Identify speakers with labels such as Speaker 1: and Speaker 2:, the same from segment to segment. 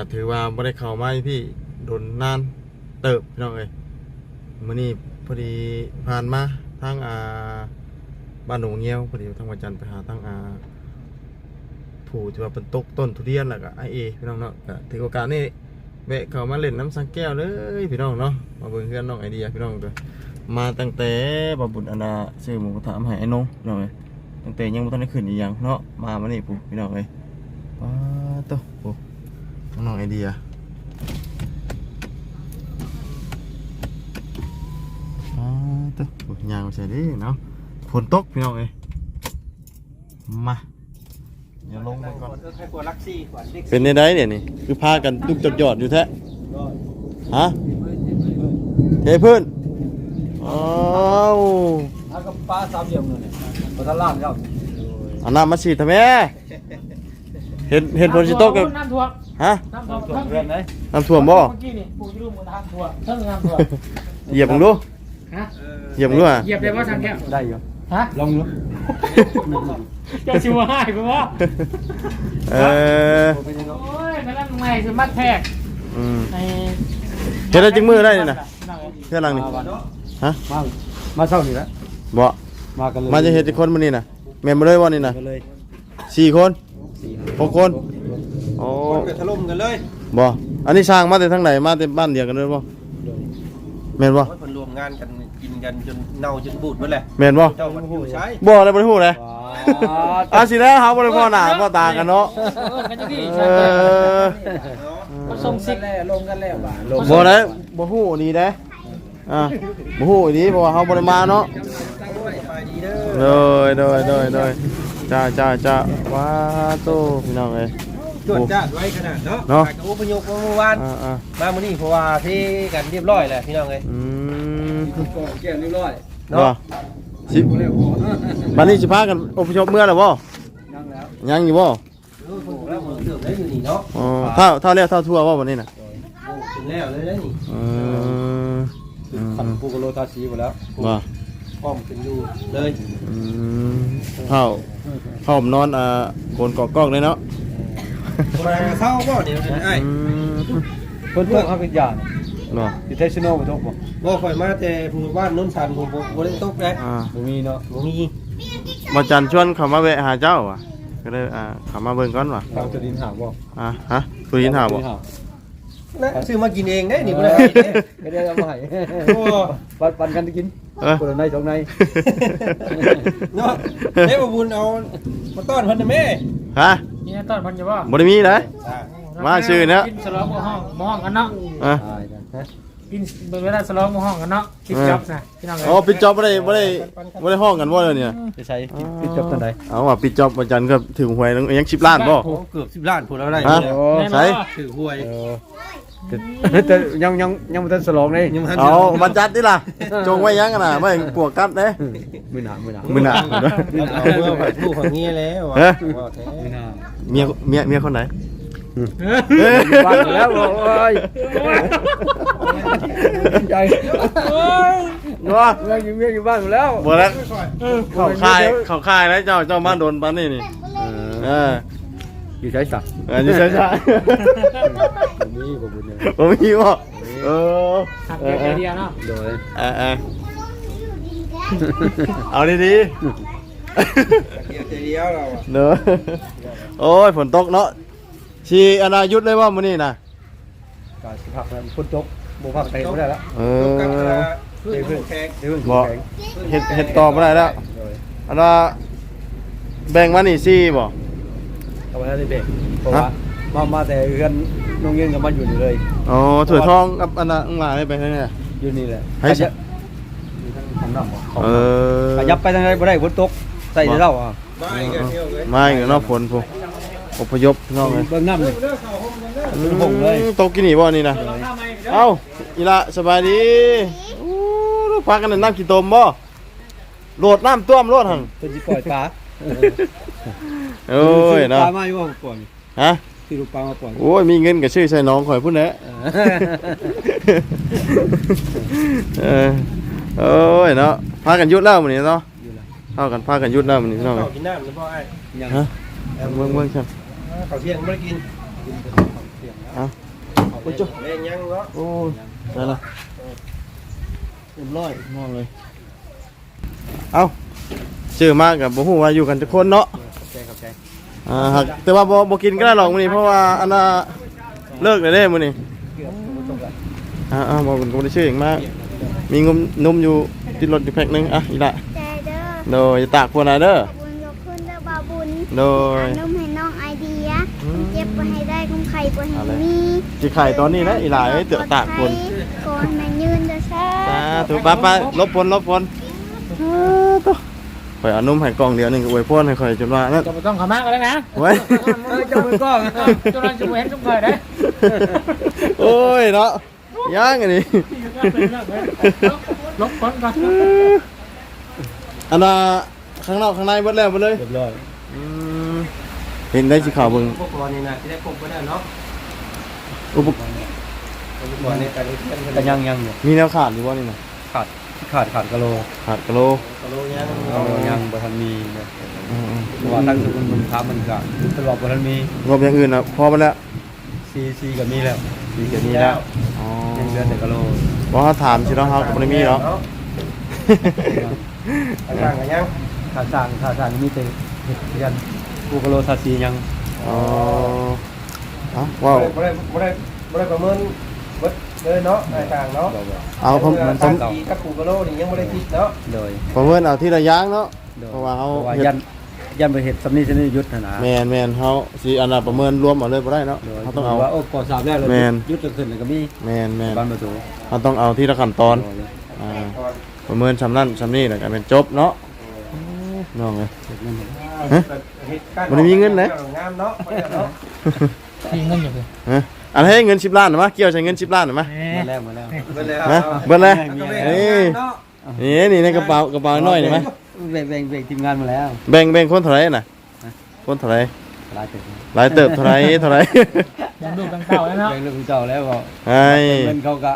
Speaker 1: ถือว่าบ่ได้เข้ามาพี่โดนนานเติบพี่น้องเอ้ยมื้อนี้พอดีผ่านมาทางบ้านหนองเงี้ยวพอดีทางวันจันทร์ไปหาทางผู้ที่ว่าเป็นตกต้นทุเรียนแล้วก็ไอเอพี่น้องเนาะก็ถือโอกาสนี้แวะเข้ามาเล่นน้ำสังแก้วเลยพี่น้องเนาะมาเบิ่งเพื่อนน้องไอเดียพี่น้องด้วยมาตั้งแต่บบุญอันดาซื้อหมูกระทะมาให้ไอ้น้องพี่น้องเอ้ยตั้งแต่ยังบ่ทันได้ขึ้นอีหยังเนาะมานี่ปุ๊พี่น้องเอ้ยว้าโตปุ๊น้องไอเดียว้าโตปุ๊ยางใส่ดิเนาะฝนตกพี่น้องเอ้ยมาอย่าลงมาก่อนเป็นในได้เนี่ยนี่คือพากันลุกจดหยอดอยู่แท้ฮะเทพื้นอ้าว
Speaker 2: เอากับปลาสามเหลี่ยมเลยเนี่ยปลาตลาดครับ
Speaker 1: เอาน้ำมาฉีดทำไมเห็นฝนสิตกกัน
Speaker 3: น้ำท่วม
Speaker 1: ฮะ
Speaker 2: น้ำท่วมเพื่อนเลย
Speaker 1: น้ำท่วมบ่
Speaker 3: เมื่อกี้นี่ปูที่รูปมันน้ำท่วมเท่าน้ำท่วม
Speaker 1: เหยียบมึงดู
Speaker 3: ฮะ
Speaker 1: เหยียบมึงดูอ่ะ
Speaker 3: เหยียบได้ว่าทางแก้ว
Speaker 2: ได้อยู่
Speaker 3: ฮะ
Speaker 2: ลองดู
Speaker 3: จะชิวให้ป่ะ
Speaker 1: โอ้
Speaker 3: ยนั่นไงคือมัดแพกใน
Speaker 1: เห็นได้จึงมือได้นี่นะเพื่อนหลังนี่ฮะ
Speaker 2: มาเศร้านี่แหละ
Speaker 1: บ่
Speaker 2: มากันเลย
Speaker 1: มาจะเห็นกี่คนมื้อนี้น่ะแม่นบ่เลยว่านี่น่ะ4 คน6 คนโอ้
Speaker 2: ถล่มกันเลย
Speaker 1: บ่อันนี้สร้างมาแต่ทางไหนมาแต่บ้านเดียวกันเลยบ่แม่นบ่
Speaker 4: เพิ่นรวมงานกันกินกันจนเน่าจนบูดหมดแหละ
Speaker 1: แม่นบ่
Speaker 4: เจ้ามันผู้ใช้
Speaker 1: บ่เลยบ่ได้ฮู้เลยสิแล้วเฮาบ่ได้พ่อหน้าพ่อตากันเนาะ
Speaker 3: มาส่งซิก
Speaker 2: ลงกันแล้ว
Speaker 1: บ่ได้บ่ฮู้นี่เด้บ่ฮู้นี่เพราะว่าเฮาบ่ได้มาเนาะโดยจ้าว้าโตพี่น้องเอ้ย
Speaker 4: จวดจ้าไว้ขนาดเนาะกับอุปโยคเมื่อวานมามื้อนี้เพราะว่าที่กันเรียบร้อยแล้วพี่น้องเอ้ย
Speaker 2: แก้เรียบร้อย
Speaker 1: เนาะสิบัดนี้สิพากันอพยพเมื่อแล้วบ่ยังอยู่บ่
Speaker 4: แล้วเติมได้อยู่นี่เนาะ
Speaker 1: อ๋อเท่าแล้วเท่าทั่วบ่บัดนี้น่ะ
Speaker 4: ถึงแล้วเลยนี่
Speaker 2: ขันปูกโลตาสีหมดแล้ว
Speaker 1: บ่
Speaker 4: พร้อมเป็นอยู่เลย
Speaker 1: เข้านอนโกนกอกกอกเลยเนาะ
Speaker 4: มาเศร้าบ่เดี๋ยวไอ้
Speaker 2: เพิ่นพวกเขาเป็นยา
Speaker 1: เนาะ
Speaker 2: อยู่เทสโนบ่ตก
Speaker 4: บ่ค่อยมาแต่ผู้บ้านโน้นสันผมบ่ได้ตกได้
Speaker 2: บ่มีเนาะ
Speaker 4: บ่มี
Speaker 1: บ่จันชวนเขามาแวะหาเจ้าว่ะก็เลยเขามาเบิ่งก่อนว่ะ
Speaker 2: ทางจะดินหาบ่
Speaker 1: ฮะตุดินหาบ่
Speaker 4: นะซื้อมากินเองได้นี่บ่ได้
Speaker 2: ไม่ได้เอามาให้โอ้ปันกันกินคนละใน2ใน
Speaker 4: เนาะได้บ่บุญเอามาต้อนเพิ่นน่ะแม่
Speaker 1: ฮะ
Speaker 3: นี่ต้อนเพิ่นอยู่บ่
Speaker 1: บ่ได้มีเด้มาชื่อเนาะ
Speaker 3: กินสลองบ่ห้องกันเนาะกินเวลาสลองบ่ห้องกันเนาะปิดจ็อบนะพี่น้อง
Speaker 1: อ๋อปิดจ็อบบ่ได้ห้องกันบ่เลยเนี่ย
Speaker 2: จะใช้ปิดจ็อบตอนใด
Speaker 1: เอาว่าปิดจ็อบบ่จันก็ถึงหวยยัง10ล้านบ่
Speaker 4: เกือบ10ล้านพุ่นแล้วได้
Speaker 1: ใช่
Speaker 4: ถือหวย
Speaker 2: แต่ยังบ่ทันสลองเลย
Speaker 1: เอามาจัดดิล่ะจงไว้ยังกันน่ะไม่ปวกกัดเด้
Speaker 2: มื้อหน้า
Speaker 4: เอาเมื่อไปลูกของเงี้ยแล้วว่าแท้
Speaker 1: เมียคนไหน
Speaker 2: บ้านแล้วโอ้ยใจ
Speaker 1: ว่า
Speaker 2: เมียอยู่บ้านแล้ว
Speaker 1: บ่แล้วเข้าค่ายแล้วเจ้ามาโดนปานนี้นี่
Speaker 2: อยู่ใช้สัก
Speaker 1: อยู่ใช้สักบ่มีบ่
Speaker 3: หักไอเดียเนาะ
Speaker 2: โดย
Speaker 1: เอาดี
Speaker 4: เดียวเรา
Speaker 1: เนาะโอ้ยฝนตกเนาะชีอนายุทธเลยว่ามื้อนี้น่ะ
Speaker 2: ก็สิพักแล้วฝนตกบ่พักเตะบ่ได้แล้ว
Speaker 1: บ่เฮ็ดต่อบ่ได้แล้วอันว่าแบ่งมานี่ซี่บ่
Speaker 2: เอาไว้ได้แบ่งเพราะว่ามาแต่เฮือนโรงเรียนก็มาอยู่นี่เลย
Speaker 1: อ๋อถ้วยทองกับอันน่ะหลายไปทางนี้
Speaker 2: อยู่นี่แหละ
Speaker 1: ให้อยู่
Speaker 2: ทางน้ำบ่ขยับไปทางใดบ่ได้ฝนตกใส่เด้า
Speaker 1: มาอีกเนาะฝนพุ่นอพยพน้องเลย
Speaker 2: เบิ่งน้ำเลย
Speaker 1: ตกกินนี่บ่นี่นะเอ้าอีละสบายดีพักกันน้ำกี่ตมบ่โหลดน้ำต้วมโหลดหั่น
Speaker 2: เพิ่นสิปล่อยปลา
Speaker 1: โอ้ยเนาะ
Speaker 2: ปลามาอยู่บ่ปล่อย
Speaker 1: ฮะ
Speaker 2: สิลูกปลามาปล่อย
Speaker 1: โอ้ยมีเงินก็ชื่อใส่น้องข่อยพุ่นแหละโอ้ยเนาะพากันยุดแล้วมื้อนี้เนาะพากันยุดแล้วมื้อนี้น้องเอ้ย
Speaker 4: กินน้ำหรือบ่ไอ้
Speaker 1: ฮะเบิ่งๆซั่น
Speaker 4: ข้าวเที่ยงไม่ได้กิน
Speaker 1: เอา
Speaker 4: โอ้ยเล่นยังเนาะ
Speaker 1: โอ้ยได้ละเรียบร้อยมองเลยเอาชื่อมากกับบ่ฮู้ว่าอยู่กันจักคนเนาะ
Speaker 2: ขอบใจ
Speaker 1: หากแต่ว่าบ่กินก็ได้หรอกมื้อนี้เพราะว่าอันน่ะเลิกแล้วเด้มื้อนี้
Speaker 2: เกือบตกละ
Speaker 1: บ่เป็นคนได้ชื่อหยังมากมีนมอยู่ติดรถอยู่แพ็คนึงอีละ
Speaker 5: ใจเด้อ
Speaker 1: โดยอย่าตากพวกน่ะเด้อ
Speaker 5: บุญยกขึ้นเด้อบาบุญ
Speaker 1: โดย
Speaker 5: นุ่มให้น้องไอเดียเจ็บไปให้ได้กุ้งไข่ไปให้มี
Speaker 1: สิไข่ตอนนี้นะอีหลาเอ้ยเตือตากพน
Speaker 5: ก่อนแม่ยืนเด้อซ่า
Speaker 1: ถูกไปลบพลข่อยเอานมให้กล่องเดียวนึงก็อวยพรให้ข่อยจนว่านั่น
Speaker 3: จะไม่ต้องขามากกันแล้วนะ
Speaker 1: ไว้
Speaker 2: เจ้ามือกล้อง
Speaker 3: จนเราจะเห็นทุกคนได้
Speaker 1: โอ้ยเนาะย่างอันนี้
Speaker 3: ลบคนก่อน
Speaker 1: อันน่ะข้างนอกข้างในเบิดแล้วเบิดเลย
Speaker 2: เรียบร้อย
Speaker 1: เห็นได้สิข่าวเบิ่ง
Speaker 4: พวกบอลนี่นะที่ได้พบไปแล้วเนาะ
Speaker 1: อุปกรณ์
Speaker 4: บอลในการเล่นกัน
Speaker 2: ก็ยังอยู่
Speaker 1: มีแนวขาดอยู่บ่นี่น่ะ
Speaker 2: ขาดกะโล
Speaker 1: ขาดกะโล
Speaker 4: กะโลยัง
Speaker 2: ยังบ่ทันมีเพราะว่าตั้งแต่มันค้ามันก็ตลอดบ่ทันมี
Speaker 1: งบอย่างอื่นน่ะพอมาแล้ว
Speaker 2: ซีก็มีแล้วซีก็มีแล้ว
Speaker 1: อ๋อ
Speaker 2: ยังเหลือแต่กะโล
Speaker 1: บ่เฮาถามสิเนาะเฮาก็บ่ได้มีเนาะ
Speaker 4: ต่างกันยัง
Speaker 2: ค่าสร้างมีแต่เฮ็ดกันกูกะโลซาซียัง
Speaker 1: อ๋อว้าว
Speaker 4: บ่ได้ประเมินเบิดเลยเนาะต่างเนาะ
Speaker 1: เอาผม
Speaker 4: กับปูกะโลนี่ยังบ่ได้คิดเนาะ
Speaker 2: โดย
Speaker 1: ประเมินเอาที่ระยางเนาะเพราะว่าเฮา
Speaker 2: ยันไปเฮ็ดสำนี้สำนี้ยุทธนะ
Speaker 1: แม่นเฮาสิอันน่ะประเมินรวมเอาเลยบ่ได้เนาะเฮาต้องเอา
Speaker 2: ว่าโอ้ก่อสร้างแล้ว
Speaker 1: แม่น
Speaker 2: ยุทธขึ้นก็มี
Speaker 1: แม่น
Speaker 2: บ้านประตู
Speaker 1: เฮาต้องเอาที่ละขั้นตอนประเมินซำนั้นซำนี้แล้วก็เป็นจบเนาะน้องเอ้ย บ่ได้มีเงินนะ
Speaker 4: งามเนาะเนาะ
Speaker 3: มีเงินอยู่เลย
Speaker 1: ฮะอันให้เงิน10ล้านน่ะมาเกี่ยวใช้เงิน10ล้านน่ะมา
Speaker 2: มาแล้ว
Speaker 4: เบิดแล้ว
Speaker 1: นะเบิดเลย
Speaker 4: เนาะ
Speaker 1: นี่ในกระเป๋าน้อยนี่มั้ย
Speaker 2: แบ่งทีมงานมาแล้ว
Speaker 1: แบ่งคนเท่าไหร่น่ะคนเท่าไหร่
Speaker 2: หลายเติบ
Speaker 1: หลายเติบเท่าไหร่
Speaker 3: ยังดูกังเก่าแล้วเนาะ
Speaker 2: แบ่งลูกเจ้าแล้วก็
Speaker 1: ไอ้
Speaker 2: เงินเขาก็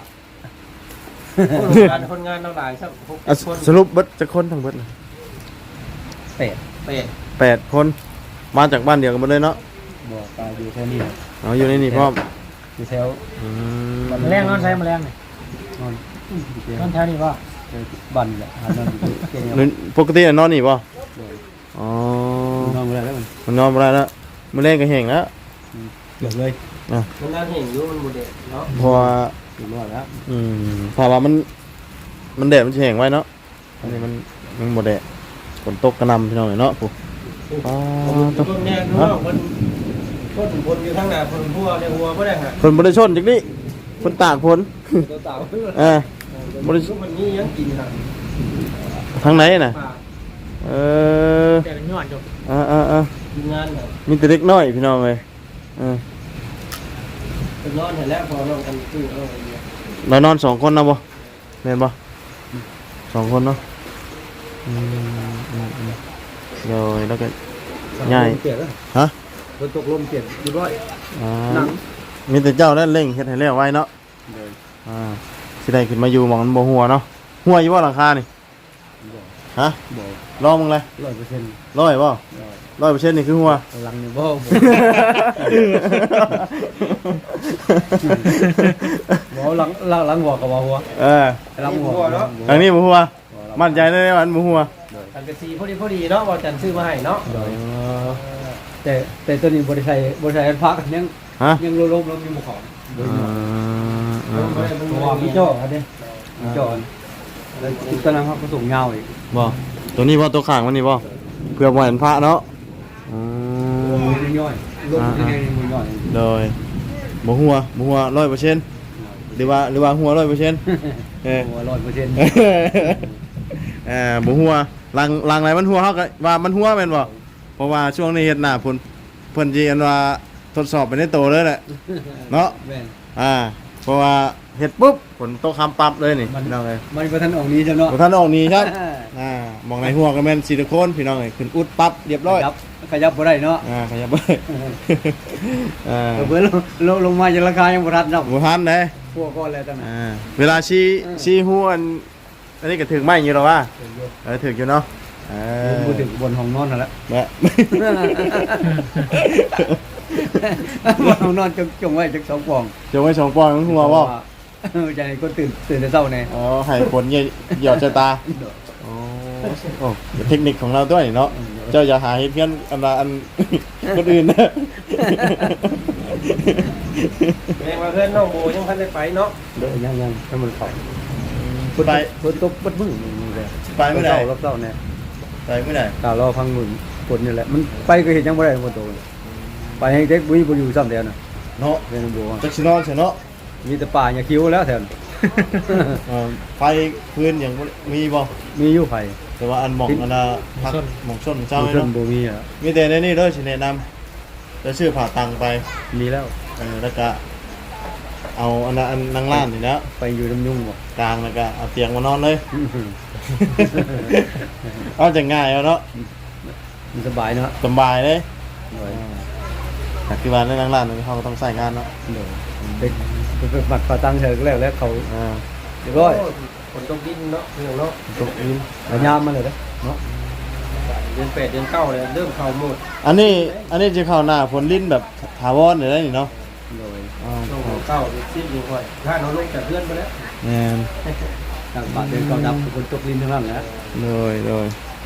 Speaker 4: คนงานเราหลายสัก
Speaker 1: สรุปเบิดจักคนทั้งเบิดเลย
Speaker 2: เป็ด
Speaker 1: 8คนมาจากบ้านเดียวกันหมดเลยเนาะ
Speaker 2: บอกตายอยู่แค่นี้
Speaker 1: เอาอยู่ในนี่พร้อม
Speaker 2: อยู่แถว
Speaker 3: แมลงนอนใช้แมลงนี่
Speaker 2: นอน
Speaker 3: นอนแถวนี้ป่ะ
Speaker 2: บันแหละหานอนเก่ง
Speaker 1: ปกตินอนนี่ป่ะอ๋อน
Speaker 2: อนไม่ได้แล้วมัน
Speaker 1: มันนอนไม่ได้แล้วมันเล่นกับแห่งแล้ว
Speaker 2: เกือบเลย
Speaker 4: คนงานเห็นอยู่มันบ่ได้เนาะ
Speaker 1: เพราะว่า
Speaker 2: เกือบรอดแล้ว
Speaker 1: ถ้าว่ามันแดดมันจะแห้งไว้เนาะอันนี้มันหมดแดดฝนตกกระหนำพี่น้องเนาะปุ๊บตก
Speaker 4: คนแน่รู้ว่าคนคนอยู่ทางหน้าคนหัวในหัวบ่ได้ฮะ
Speaker 1: ฝนบริชนจากนี้ฝนตากฝน
Speaker 4: ตัวเต่า
Speaker 1: บริ
Speaker 4: มันนี่ยังกินฮะ
Speaker 1: ทางไหนน่ะเออ
Speaker 3: แต่เป็นยอดอยู่
Speaker 4: กินงานฮะ
Speaker 1: มีแต่เล็กน้อยพี่น้องเลย
Speaker 4: เป็นนอนเห็นแล้วพอลงกันตู้เอาอย่างเงี้ย
Speaker 1: เรานอน2 คนนะบ่แม่นบ่2 คนเนาะเดี๋ยวแล้วก็ใหญ่
Speaker 2: เปลี่ยนแล้ว
Speaker 1: ฮะ
Speaker 2: ฝนตกลมเปลี่ยนเรียบร้อย
Speaker 1: มีแต่เจ้าได้เร่งเฮ็ดให้แล้วไว้เนาะสิได้ขึ้นมาอยู่หมองมันบ่หัวเนาะหัวอยู่บ่หลังคานี่ฮะ
Speaker 2: บอก
Speaker 1: ลองมึงเลย
Speaker 2: 100%
Speaker 1: ร้อยบ่100%นี่คือหัว
Speaker 2: หลังนี่บ่ บ่หลังหัวกับหัว หลังหัวเนาะ
Speaker 1: ทางนี้บ่หัวมั่นใจได้ว่ามันบ่หัว
Speaker 4: อันกระซีพอดีเนาะว่าจันซื้อมาให้เนาะ
Speaker 2: แต่ตัวนี้บริษัทพักยังลมยังมาของเพราะว่าพี่จ่ออันนี้จ่อแล้วตอนนั้นเขาก็ส่งเงาอีก
Speaker 1: บ่ตัวนี้บ่ตัวข้างมันนี่บ่เพื่อบ่ให้มันพระเนาะ
Speaker 2: มือย่อยลมยังไงมือย่อย
Speaker 1: เลยบ่หัว100%หรือว่าหัว 100%
Speaker 2: หัว100%
Speaker 1: บ่หัวลังไหนมันหัวเฮาก็ว่ามันหัวแม่นบ่เพราะว่าช่วงนี้เฮ็ดหน้าเพิ่นสิอันว่าทดสอบไปในโตเลยแหละเนาะ
Speaker 2: แม่น
Speaker 1: เพราะว่าเฮ็ดปุ๊บฝนตกคำปั๊บเลยนี่พี่น้องเอ้ย
Speaker 2: มันบ่ทันออกนี้จ้ะเนาะ
Speaker 1: บ่ทันออกนี่ครับมองในหัวก็แม่นซิลิโคนพี่น้องเอ้ยขึ้นอุดปั๊บเรียบร้อย
Speaker 2: ขยับบ่ได้เนาะ
Speaker 1: ขยับเบิ่ง
Speaker 2: เพิ่นลงมาจะราคายังบ่ทันเนาะ
Speaker 1: บ่ทันเด้
Speaker 2: พวกก่อนแล้วตั้งนั้น
Speaker 1: เวลาชี้หัวอันนี้ก็ถึงไม้อยู่แล้วว่าถึงอยู่เนาะ
Speaker 2: บ่ถึงบนห้องนอนนั่นแหละ
Speaker 1: แม่
Speaker 2: ว่าเอานอนจงไว้จัก2ปอง
Speaker 1: จะไว้2ปอนด์มันหัวบ่
Speaker 2: จะให้คนตื่นแต่เช้าแน่
Speaker 1: อ๋อให้คนเหยียบใจตาอ๋อโอ้เทคนิคของเราด้วยเนาะเจ้าอย่าหาเฮ็ดเพื่อนอัน คนอื่นนะ
Speaker 4: แม่ว่าเพื่อนน้องโบยังพันได้ไปเนาะ
Speaker 2: เด้อยังให้มันเข้า
Speaker 1: ไป
Speaker 2: ฝนตกบัดมึงนี่แหละ
Speaker 1: ไปเมื่อไหร่
Speaker 2: รอบเช้าแน่
Speaker 1: ไปเมื่อไหร่
Speaker 2: ตารอพังมึงฝนนี่แหละมันไปก็เห็นยังบ่ได้ฝนตกไปให้เด็กบ่อยู่ซ้ำแล้วน่ะ
Speaker 1: เนาะ
Speaker 2: เป็นบ่ว่า
Speaker 1: จักสินอนเสียเนาะ
Speaker 2: มีแต่ป่าอย่าคิ้วแล้วแถวนั้น
Speaker 1: ไฟพื้นอย่างมีบ่
Speaker 2: มีอยู่ไผ
Speaker 1: แต่ว่าอันหม่องอันน่ะพักหม่องส้นเจ้า
Speaker 2: มี
Speaker 1: ไว้
Speaker 2: เพิ่น
Speaker 1: เนาะ
Speaker 2: บ่มีอ่ะ
Speaker 1: มีแต่ในนี่เด้อสิแนะนำจะซื้อผ่าตังไป
Speaker 2: มีแล้ว
Speaker 1: แล้วก็เอาอันน่ะอันนั่งร้านนี่แล้ว
Speaker 2: ไปอยู่น้ำยุ่งบ่
Speaker 1: กลางแล้วก็เอาเตียงมานอนเลย เอาจะง่ายเอาเนาะ
Speaker 2: มันสบายเนาะ
Speaker 1: สบายเลย
Speaker 2: โดย
Speaker 1: แต่คือว่าในนั่งร้านนี่เขาก็ต้องใส่งานเนาะ
Speaker 2: โดยเป็นบัตรประตังเธอก็แล้วเขา
Speaker 1: อ่า
Speaker 2: เรียบร้อย
Speaker 4: ฝนตกดินเนาะเรื่องเนาะ
Speaker 1: ตกอิน
Speaker 2: แล้วยามมาเลยเนาะ
Speaker 4: เดือน8เดือน9เลยเริ่มเข้าหมด
Speaker 1: อันนี้จะเข้าหน้าฝนลิ้นแบบถาวรเลยนี่เนาะ
Speaker 2: โดย
Speaker 4: ช่วง9เดือน10อยู่ค่อยถ้าน้องลงจากเพื่อนไปแล้ว
Speaker 1: แม่น
Speaker 2: ทางบ้านเดินเขาดับคนตกลิ้นทั้งนั้นนะ
Speaker 1: เลย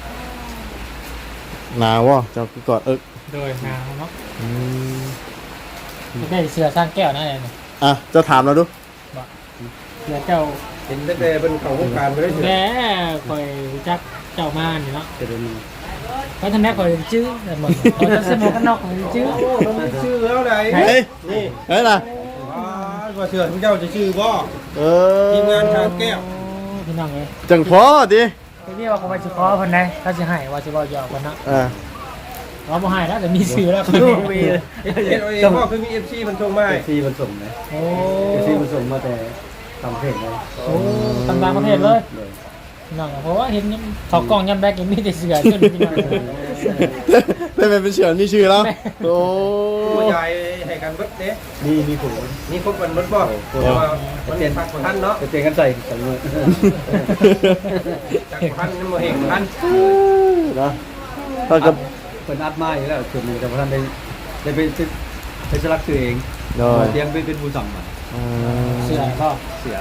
Speaker 1: หนาววะเจ้าคือกอดเอิก
Speaker 3: โดยหาวเนาะ
Speaker 1: อืม
Speaker 3: ได้เสือสร้างแก้วนั่นเอง
Speaker 1: อ่ะเจ้าถามเราดู
Speaker 3: เสือเจ้า
Speaker 4: เห็นตั้งแต่เป็นเข้าวงการไปได้
Speaker 3: แหมคอยรู้จักเจ้ามานี่เนาะ
Speaker 2: จะเดิน
Speaker 3: เพราะท่านแม่คอยชื่อแต่หมดคอยจะสมุกกันนอกคอยชื่อ
Speaker 4: โอ้มันมีชื่อแล้วไหน
Speaker 1: เฮ้ย
Speaker 4: นี่
Speaker 1: เฮ้ยล่ะ
Speaker 4: ว่าเชื่อทุกเจ้าจะชื่อบ่
Speaker 1: เออ
Speaker 4: ทีมงานทางแก้ว
Speaker 3: พี่น้องเลย
Speaker 1: จังพอดิ
Speaker 3: พี่นี่ว่าเขาไปชิคอคนไหนเขาจะให้ว่าจะบอกยอกคนเนาะ
Speaker 1: อ่า
Speaker 3: เราบ่ให้แล้วแต่มีชื่อแล้ว
Speaker 2: มี
Speaker 4: เอ็ดเอาเองพ่อคือมี FC มันส่งมาให้
Speaker 2: ที่มันส่งนะ
Speaker 3: โอ้
Speaker 2: ที่มันส่งมาแต่ทำเพลงเลย
Speaker 3: โหต่างประเทศเลยพี่น้องเพราะว่าเห็นเขากล้องยำแบกยังมีแต่เสือจนพี่น้อง
Speaker 1: ได้เป็นเสือนี่ชื่อแล้วโอ้
Speaker 4: ผู้ใหญ่ให้กันเบิดเด้
Speaker 2: มีผล
Speaker 4: นี่ครบกันเบิดบ่แต่ว่ามันเป็นพักท่านเนาะ
Speaker 2: จะเจอกันใส่สองมือ
Speaker 4: จากท่านมันบ่เห็นท่าน
Speaker 1: นะถ้ากับ
Speaker 2: เป็นอัดมาอยู่แล้วส่วนหนึ่งแต่ว่าท่านได้ไปสลักตัวเอง
Speaker 1: โดย
Speaker 2: เตรียมเป็นผู้สั่งมา
Speaker 3: เสือก็
Speaker 2: เสีย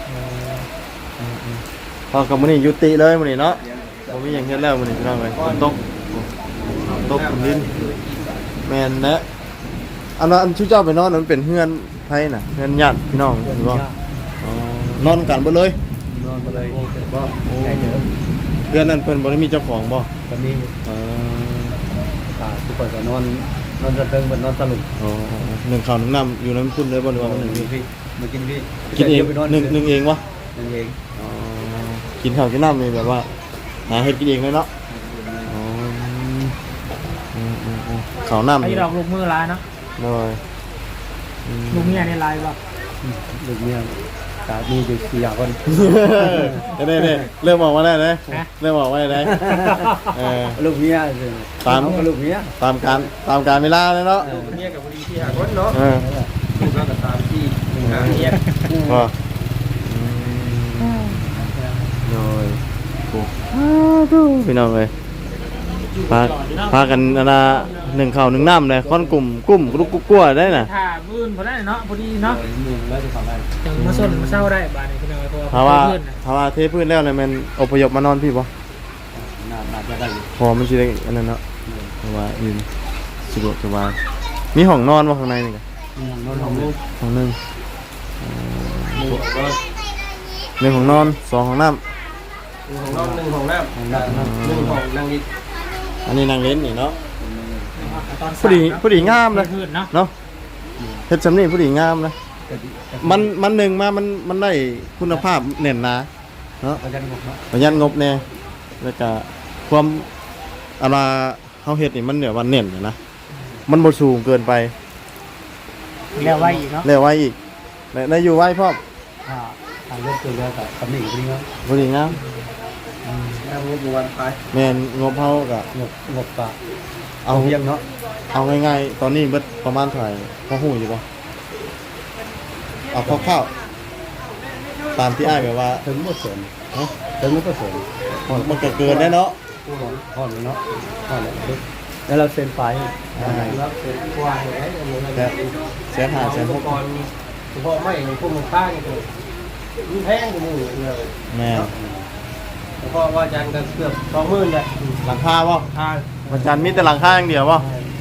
Speaker 1: พอกับมื้อนี้ยุติเลยมื้อนี้เนาะบ่มีหยังเฮ็ดแล้วมื้อนี้พี่น้องเอ้ยฝนตกลิ้นแม่นนะอันนั้นอันชื่อเจ้าไปนอนนั้นเป็นเฮือนไผน่ะเฮือนญาติพี่น้องหรือบ่อ๋อนอนกันเบิดเลย
Speaker 2: นอนมาเลยก็ใหญ่เยอะ
Speaker 1: เฮือนนั้นเพิ่นบ่ได้มีเจ้าของบ่
Speaker 2: ตอนนี้
Speaker 1: เออ
Speaker 2: ทุกคนก็นอนสะเทิงเหมือนนอนสลุก
Speaker 1: อ๋อหนึ่งข้าวหนึ่งน้ำอยู่น้ำพุ่นเลยบ่หรือว่ามันหนึ่ง
Speaker 2: พี่มากินพี่
Speaker 1: กินเอง
Speaker 2: ไปนอน
Speaker 1: หนึ่งเองวะ
Speaker 2: นั่นเอง
Speaker 1: อ๋อกินข้าวกินน้ำนี่แบบว่าหาเฮ็ดกินเองเลยเนาะอ๋อข้าวน้ำ
Speaker 3: ไอ้
Speaker 1: นี่
Speaker 3: ดอกลูกมือลายเนาะ
Speaker 1: เลย
Speaker 3: ลูกเมียในลายว่ะ
Speaker 2: ลูกเมียตามีอยู่สี่คน
Speaker 1: เน่เริ่มออกมาได้เลยเริ่มออกมาได้เลยเออ
Speaker 2: ลูกเมีย
Speaker 1: ตาม
Speaker 2: ลูกเมีย
Speaker 1: ตามการเวลาเลยเนาะ
Speaker 4: เมียกับบุรีที่หาคนเนาะ
Speaker 1: เออ
Speaker 4: ลูกแล้วก็ตามที่หาเมีย
Speaker 1: พอเลยพี่น้องเลยพากันนะหนึ่งข้าวหนึ่งน้ำเลยค่อนกลุ่มกรุ๊กกลัวได้น่ะ
Speaker 3: ถ้าบื้นพอได้เนาะพอดีเนาะ
Speaker 2: มึงแล้วจะทำอะไร
Speaker 3: จังมาส้นมาเศร้าได้บ้านนี้พี่น้องเพ
Speaker 1: ถ้า
Speaker 3: ราะ
Speaker 1: ว่า
Speaker 3: ว่าเพื่อน
Speaker 1: ถ้าว่าเทพื้นแล้วเนี่ยมันอพยพมานอนพี่ปะ
Speaker 2: น่าจะได้อยู่
Speaker 1: พอมันสิได้อันนั้นเนาะเพราะว่ายืนสะดวกสบายมีห้องนอนวะข้างในนี่กัน
Speaker 2: นอนของลูก
Speaker 1: ห้องหนึ่งหนึ่งห้องนอนสองห้องน้
Speaker 4: ของน้องหนึ่งของน้ำหนึ่งของนางดิ
Speaker 1: ำอันนี้นางเล่นนี่เนาะ
Speaker 3: ตอน
Speaker 1: ผู้ดีงามเลย
Speaker 3: เพื่อนเนาะ
Speaker 1: เนาะเฮ็ดสำนี่ผู้ดีงามนะมันหนึ่งมามันได้คุณภาพเน่นหนาเนาะ
Speaker 2: ประจันหมดเนาะ
Speaker 1: ประหยัดงบแน่แล้วก็ความอะไรเฮาเฮ็ดนี่มันเนี่ยว่าเน่นอยู่นะมันบ่สูงเกินไป
Speaker 3: แล้วไว้อีกเนาะ
Speaker 1: แล้วไว้อีกได้อยู่ไว้พร้อม
Speaker 2: ทางเลือกตัวเลือกกับตำหนิพวกนี้เนาะ
Speaker 1: ผู้ดีงาม
Speaker 4: นางงบวันไป
Speaker 1: แม่นงบเฮาก็
Speaker 2: งบปะ
Speaker 1: เอา
Speaker 2: เพียงเนาะ
Speaker 1: เอาง่ายๆตอนนี้เบิดประมาณเท่าไหร่พอฮู้อยู่บ่เอาคร่าวๆตามที่อ้ายแบบว่า
Speaker 2: ถึงหมดส่วน
Speaker 1: ฮะ
Speaker 2: ถึงหมดส่วน
Speaker 1: มันก็เกินได้เนาะ
Speaker 2: ห่อนเนาะห่อนเลยแล้วเราเซ็นไฟ
Speaker 4: แล้วเป็นกว่าอย่างไรเอาเงิน
Speaker 1: แสนห้าแสนห
Speaker 4: อุ
Speaker 1: ก
Speaker 4: ปกรณ์เฉพาะไม่พวกมันป้าเนี่ยมันแพงกว่าหมู่เลย
Speaker 1: แม่
Speaker 4: เพราะว่าอาจารย์ก็เกือบ20,000เลย
Speaker 1: หลังคาบ่
Speaker 4: ค่า
Speaker 1: วันจันทร์มีแต่หลังคาอย่างเดียวบ่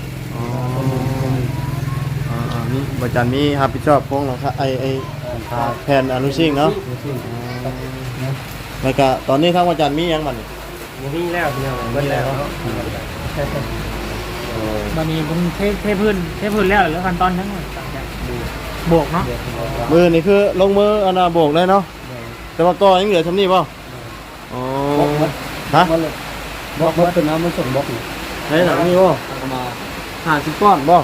Speaker 1: มีวันจันทร์มีรับผิดชอบพวกหลังคาไอ้แผ่นอนุชิงเนาะแล้วก็ตอนนี้ทางวันจันทร์มีหยังบัดนี้
Speaker 4: อย่างนี้แล้วเนี่ยเบิ้ลแล้ว
Speaker 3: บัดนี้ผมเทพื้นแล้วแล้วขั้นตอนทั้งหมดบวกเนาะ
Speaker 1: มือนี่คือลงมืออนนาโบกเลยเนาะแต่ว่าก็ยังเหลือทำนี่ป่ะอ๋อฮะ
Speaker 2: บล็อกเป็นน้ำมันส่งบล็อกอยู่
Speaker 1: ไหนหนังนี่ป่ะ
Speaker 2: เอามา
Speaker 1: 50 ก้อนป่ะ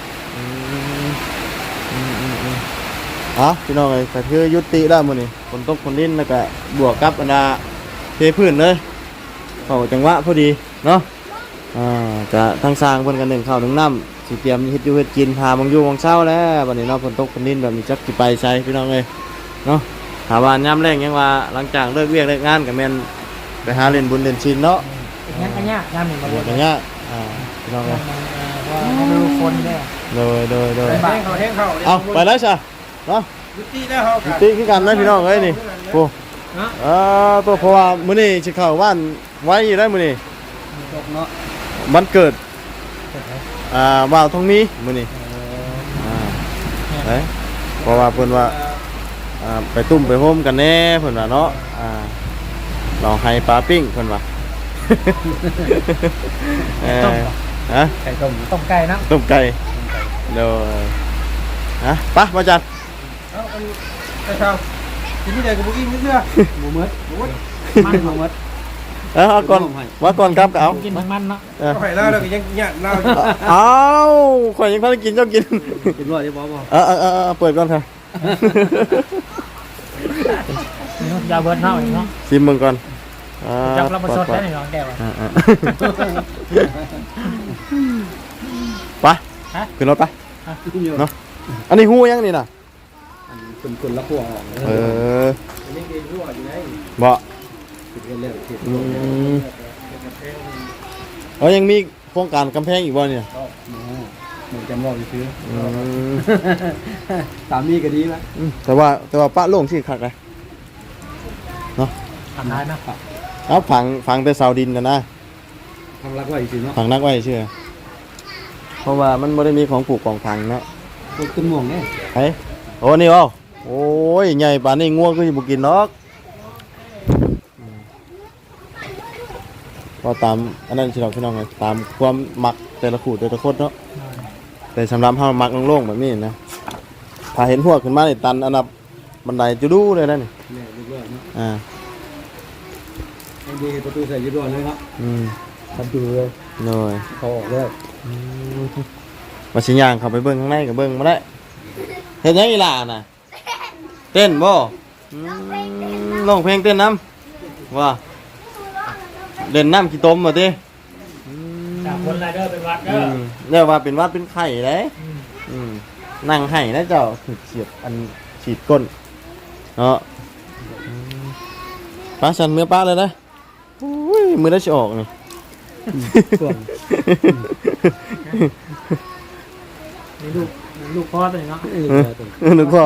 Speaker 1: พี่น้องเลยแต่คือยุติแล้วมื้อนี้ฝนตกฝนดินแล้วก็บวกกับอนนาเทพื้นเลยเข้าจังหวะพอดีเนาะจะทั้งสร้างเพิ่นกันหนึ่งข้าวหนึ่งน้ำสิเตรียมเฮ็ดอยู่เฮ็ดกินพาบางอยู่บางเช้าแล้วบัดนี้เนาะฝนตกฝนดินแบบนี้จักสิไปใส่พี่น้องเอ้ยเนาะถามว่ายามแรงยังว่าหลังจากเลิกเวียกเลิกงานก็แม่นไปหาเล่นบุญเล่นศีลเนาะ
Speaker 3: อย่างกันยากยามหนึ่งมาบวก
Speaker 1: อย่างเงี้ยพี่น้องเอ้ย
Speaker 3: ว่าดูคนเนี่ย
Speaker 1: โดย
Speaker 4: แห้งเขา
Speaker 1: เอาไปแล้วจ้ะเนาะ
Speaker 4: ยุติแล้วเขา
Speaker 1: ยุติคือกันนะพี่น้องเอ้ยนี่โอ้ตัวเพราะว่ามื้อนี้สิเข้าบ้านไว้อยู่ได้มื้อนี้
Speaker 2: บล็อกเนาะ
Speaker 1: มันเกิดว่าวทองมีมื้อนี้เอ้ยเพราะว่าเพิ่นว่าไปตุ้มไปโฮมกันแน่เพิ่นว่าเนาะลองให้ปลาปิ้งเพิ่นว่าฮะ
Speaker 2: ไก่ต้ม
Speaker 3: ต้มไก่นะ
Speaker 1: ต้มไก่เดี๋ยวไปมาจัด
Speaker 4: เอาไปเช่าทีนี้เดี๋ยวกับบุกิ้งนิดเดียว
Speaker 2: หมูมัด
Speaker 3: มัน
Speaker 2: หมูมัด
Speaker 1: เอาก่อนว่าก่อนครับก็เอา
Speaker 3: กินมันเนาะ
Speaker 4: เอาไข่เล่าแล้วก็ยังเนี่ยเล่า
Speaker 1: เอาข่อยยังพากินเจ้ากิน
Speaker 2: กินว่าจะบอกว่า
Speaker 1: เปิดก่อนค่ะ
Speaker 3: ยาเบิร์ดเนาะเนาะ
Speaker 1: ซิมมึงก่อน
Speaker 3: จับเราประสดได้หนึ่งแก้ว
Speaker 1: ไปขึ้นรถไปเนาะอันนี้หูยังนี่น่ะ
Speaker 2: คนละขั้วออก
Speaker 4: อันนี้คือรั่วอยู่ไหน
Speaker 1: บ่
Speaker 2: ติดเรื่องติด
Speaker 1: ยังมีโครงการกำแพงอีกบ่เนี่ย
Speaker 2: เหมือนจำรอบไปซื้อสามีก็ดีไหม
Speaker 1: แต่ว่าป้าโล่งที่คักเลยเนาะ
Speaker 3: ทำได้นะ
Speaker 1: เอาฝังแต่เสาดินนะ
Speaker 2: ทำรักไว้สิเนาะ
Speaker 1: ฝังนักไว้เชื่อเพราะว่ามันไม่ได้มีของปลูกของฝังเนาะ
Speaker 2: คนขึ้นม่วงเนี่ย
Speaker 1: ไอ้โอ้นี่เอาโอ้ยใหญ่ป่านนี้ง่วงก็จะบุกินเนาะก็ตามอันนั้นสิเราพี่น้องไงตามความมักแต่ละขูดแต่ละคนเนาะแต่สำหรับเฮามักโล่งๆแบบนี้นะถ้าเห็นหัวขึ้นมาในตันอันดับบันไดจะดูเลยนะนี่
Speaker 2: เนี่ยเรื่อยๆเนาะดีประตูใส่ยืดร้อนเลยครับทำดูเลย
Speaker 1: เลย
Speaker 2: เขาออกเลย
Speaker 1: มาสิย่างเข้าไปเบิ่งข้างในก็เบิ่งมาได้เฮ็ดหยังอีหล่ะน่ะเต้นบ่ร้องเพลงเต้นน้ำว่าเล่นน้ำขี้ต้มมาติ
Speaker 3: จากคนไรเดอร์เป็นวัดเด้อ
Speaker 1: เรียกว่าเป็นวัดเป็นไข่เลยนั่งไห้นะเจ้าเฉียดอันฉีดก้นเนาะป้าฉันเมื่อป้าเลยนะมือได้จะออกนี่
Speaker 2: ส่วน
Speaker 3: ลูกพ่อตัวนี้เนาะ
Speaker 1: นึกว่า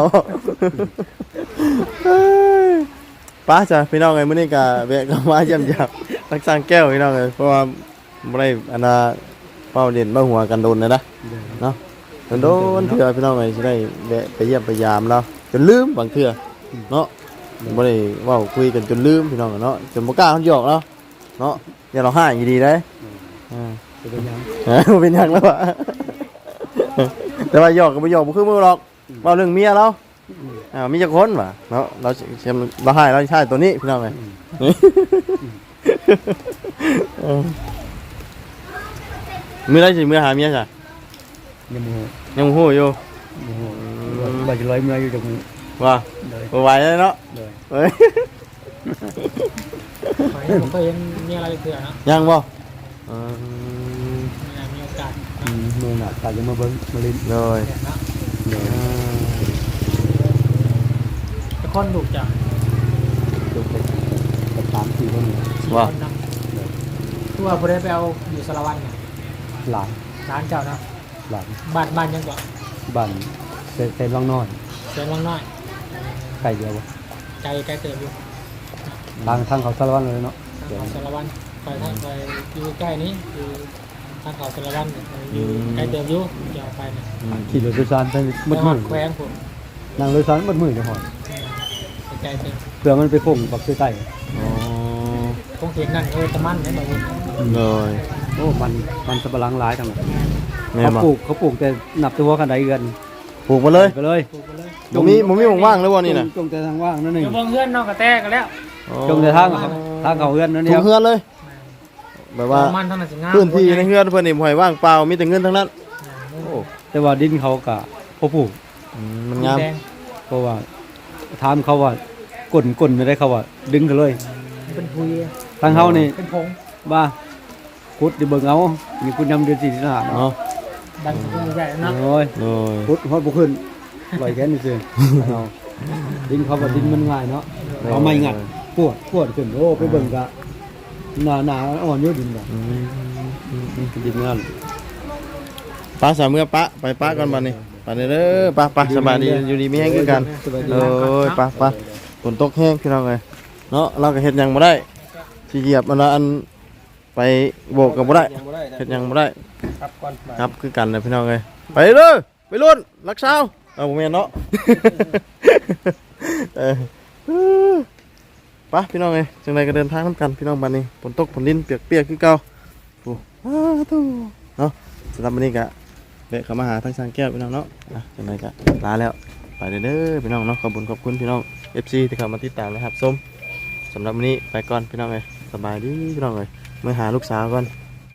Speaker 1: ป้าจ้ะพี่น้องไงมื้อนี้ก็แวะเข้ามาเยี่ยมยามรักษาแก้วพี่น้องเลยเพราะว่าบ่ได้อันน่ะเป้าเด่นมาหัวกันโดนเลยนะเนาะโดนเถื่อพี่น้องไงสิได้แวะไปเยี่ยมไปยามเราจนลืมบางเถื่อเนาะบ่ได้เว้าคุยกันจนลืมพี่น้องเนาะจนบ่กล้าเฮาหยอกเนาะเนาะอย่าเราห้าอยู่ดีเด้
Speaker 2: เป็นยัง
Speaker 1: เป็นหยังแล้วอะแต่ว่าหยอกก็บ่หยอกบ่คือมือหรอกเว้าเรื่องเมียเรามีจักคนว่ะเนาะเราให้เราใช้ตัวนี้พี่น้องเอ้ยมื้อใดสิมื้อหาเมียจ้ะ
Speaker 2: ยังโมโห
Speaker 1: ยังบ่ฮู้อยู่
Speaker 2: โมโหใบจะลอยเมื่ออยู่จากมือ
Speaker 1: ว่าบ่ไหวแล้วเนาะ
Speaker 2: เลย
Speaker 1: เอ้ย
Speaker 3: ผมก็เห็นมีอะไรเถื่อนนะ
Speaker 1: ยังบ่
Speaker 3: มีโอกาส
Speaker 2: มือหนักตาจะมาเบิ้งมาลิ้น
Speaker 1: เลย
Speaker 3: นะ
Speaker 2: เลย
Speaker 3: จะค้นถูกจัง
Speaker 2: จบไปกับ3-4 คน
Speaker 1: ว่า
Speaker 3: ตัวผู้ได้ไปเอาอยู่สารวัตรเนี่ย
Speaker 2: หลาน
Speaker 3: ร้านเจ้าเนาะ
Speaker 2: หลาน
Speaker 3: บ้านยังบ่
Speaker 2: บ้านเซนวังน้อย
Speaker 3: เสียงวังน้อย
Speaker 2: ไก่เดียวบ่
Speaker 3: ไกลเติบอยู่
Speaker 2: ทางเขาสารวัตรเลยเนาะ
Speaker 3: ทางเขาสารวันไปทางไปอยู่ใกล้นี้อยู่ทางเขาสารวันอยู่ไกลเติบอยู่จะเอาไปเนี่ย
Speaker 2: ขี่รถโดยสารไปมืด
Speaker 3: ไป
Speaker 2: มื
Speaker 3: ฮอ
Speaker 2: ด
Speaker 3: ดแขวงผม
Speaker 2: นั่งรถโดยสารมืดมืดจะหอด
Speaker 3: ไกลเติบ
Speaker 2: เพื่อมันไปพุ่งปักใต้
Speaker 1: อ๋อ
Speaker 3: คงเห็นนั่นตะมันเนี่ยบ่
Speaker 1: เลย
Speaker 2: โอ้มันสับปะหลังหลายทั้งนั้น
Speaker 1: แม่
Speaker 2: เขา
Speaker 1: มา
Speaker 2: ปลูกแต่นับตัวกันได้เดือน
Speaker 1: ปลูกมาเลย
Speaker 2: ไปเลย
Speaker 3: ปลูกไปเลย
Speaker 1: บ่มีว่างๆเลยว่านี่น่ะ
Speaker 2: จงแต่ทางว่างนั่นเอ
Speaker 3: อง ยู่เบิ่งเฮือนนอกกระแตกันแล้ว
Speaker 2: จงแต่ทางเขาเฮือนนั่น
Speaker 1: ป
Speaker 2: เดี
Speaker 1: ลู
Speaker 2: ยว
Speaker 1: กเฮือนเลย แบบว่า
Speaker 3: มันเท่านั้นสิงาม
Speaker 1: พื้นที่ในเฮือนเพิ่นนี่บ่ให้ว่างเปล่ามีแต่เงินทั้งนั้น
Speaker 3: โอ้
Speaker 2: แต่ว่าดินเขาก็พอปลูก
Speaker 1: มันงาม
Speaker 3: แดง
Speaker 2: เพราะว่าถามเขาว่าก้นไม่ได้เขาว่าดึงกันเลย
Speaker 3: เป็นพุย
Speaker 2: ทางเขานี่
Speaker 3: เป็นผง
Speaker 2: บ้าคุดดิเบิ่งเอานี่คุณยำเดือน4 สิงหา
Speaker 1: เนาะ
Speaker 3: ดันพุงใหญ่เนาะ
Speaker 2: โอ้ย
Speaker 1: โดย
Speaker 2: คุดฮอดบ่ขึ้นปล่อยแค่นี้ซื่อเอาดินเขาว่าดินมันง่ายเนาะเอาไม้งัดปวดขึ้นโอ้ไปเบิ่งกะหนาอ่อนอยู่ดินบ่
Speaker 1: อืม
Speaker 2: ดินนั่น
Speaker 1: ป้าสามเมื่อป้าไปป้าก่อนบัดนี้ไปเด้อป้าสบายดีอยู่ดีมีแห้งคือกัน
Speaker 2: สบายดี
Speaker 1: โอ้ยป้าฝนตกแห้งพี่น้องเอ้ยเนาะเราก็เฮ็ดหยังบ่ได้สิเหยียบอันไปโบกก็บ่ได้
Speaker 4: ยังบ่ได้นะ
Speaker 1: เฮ็ดหยังบ่ได้
Speaker 4: ครับก่อนมา
Speaker 1: ครับคือกันเลยพี่น้องเอ้ยไปเด้อไปรุ่นรักษาเอาบ่แม่นเนาะ เออไปพี่น้องเอ้ยจังไดก็เดินทางนํกันพี่น้องบัดนี้ฝนตกฝนลิ้นเปียกๆคือเก่าโอ้ตู้เนาะสำหรับวันนี้ก็เวะเข้ามาหาทางสร้างแก้วพี่น้องเนาะจังไดก็ลาแล้วไปเด้อพี่น้องเนาะขอบคุณพี่น้อง FC ที่เข้ามาติดตามนะครับส้มสำหรับวันนี้ไปก่อนพี่น้องเอ้ยสบายดีพี่น้องเอ้ยมาหาลูกสาวก่อน